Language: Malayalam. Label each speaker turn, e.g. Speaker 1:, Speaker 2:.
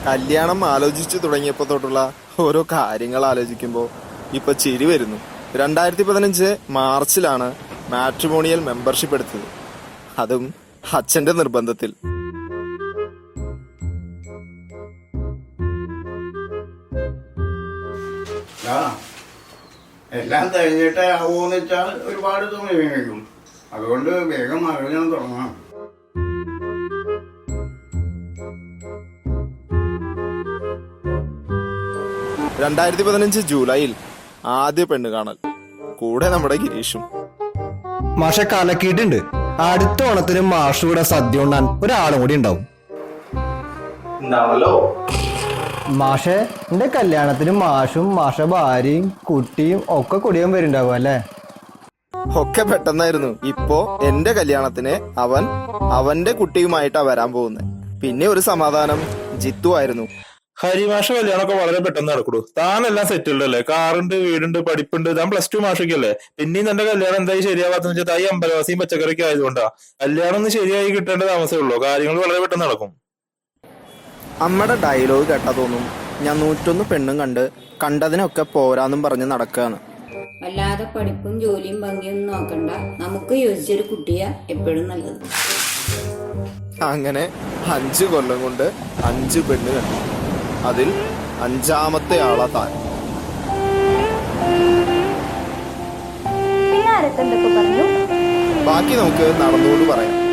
Speaker 1: കല്യാണം ആലോചിച്ചു തുടങ്ങിയപ്പോ തൊട്ടുള്ള ഓരോ കാര്യങ്ങൾ ആലോചിക്കുമ്പോൾ ഇപ്പൊ ചിരി വരുന്നു. 2015 മാർച്ചിലാണ് മാട്രിമോണിയൽ മെമ്പർഷിപ്പ് എടുത്തത്, അതും അച്ഛന്റെ നിർബന്ധത്തിൽ.
Speaker 2: എല്ലാം കഴിഞ്ഞിട്ട് ആവുമെന്ന് വെച്ചാൽ ഒരുപാട് സമയം കഴിക്കും. അതുകൊണ്ട് വേഗം ആലോചന തുടങ്ങാം.
Speaker 1: ജൂലൈയിൽ ആദ്യ പെണ്ണ് കാണൽ, കൂടെ നമ്മുടെ ഗിരീഷും.
Speaker 3: മാഷെ കലക്കിയിട്ടുണ്ട്. അടുത്ത ഓണത്തിന് മാഷ് കൂടെ സദ്യ ഉണ്ണാൻ ഒരാളും കൂടി ഉണ്ടാവും. മാഷെ എന്റെ കല്യാണത്തിന് മാഷും മാഷ ഭാര്യയും കുട്ടിയും ഒക്കെ കുടിയാൻ വരുന്നുണ്ടാവും അല്ലേ?
Speaker 1: ഒക്കെ പെട്ടെന്നായിരുന്നു. ഇപ്പോ എന്റെ കല്യാണത്തിന് അവന്റെ കുട്ടിയുമായിട്ടാ വരാൻ പോകുന്നത്. പിന്നെ ഒരു സമാധാനം ജിത്തു ആയിരുന്നു.
Speaker 4: ഹരിമാഷ കല്യാണമൊക്കെ വളരെ പെട്ടെന്ന് നടക്കുള്ളൂ. താനെല്ലാം സെറ്റിൽഡ് അല്ലേ, കാറുണ്ട്, വീടുണ്ട്, പഠിപ്പുണ്ട്. താൻ +2 മാഷൊക്കെയല്ലേ. പിന്നെയും തന്റെ കല്യാണം എന്തായി ശരിയാവാത്തെന്ന് വെച്ചാൽ തായി അമ്പലവാസിയും പച്ചക്കറിയൊക്കെ ആയതുകൊണ്ടാ. കല്യാണം ഒന്ന് ശരിയായി കിട്ടേണ്ട താമസമേ ഉള്ളൂ. കാര്യങ്ങൾ വളരെ പെട്ടെന്ന് നടക്കും.
Speaker 1: അമ്മയുടെ ഡയലോഗ് കേട്ടാ തോന്നും ഞാൻ 101 പെണ്ണും കണ്ടതിനൊക്കെ പോരാന്നും പറഞ്ഞ് നടക്കുകയാണ്.
Speaker 5: അല്ലാതെ പഠിപ്പും ജോലിയും ഭംഗിയൊന്നും നോക്കണ്ട, നമുക്ക് യോജിച്ചൊരു കുട്ടിയാ എപ്പോഴും നല്ലത്.
Speaker 1: അങ്ങനെ 5 കൊല്ലം കൊണ്ട് 5 പെണ്ണ് കണ്ടു. അതിൽ 5ാമത്തെ ആളാ താൻ. ബാക്കി നമുക്ക് നടന്നുകൊണ്ട് പറയാം.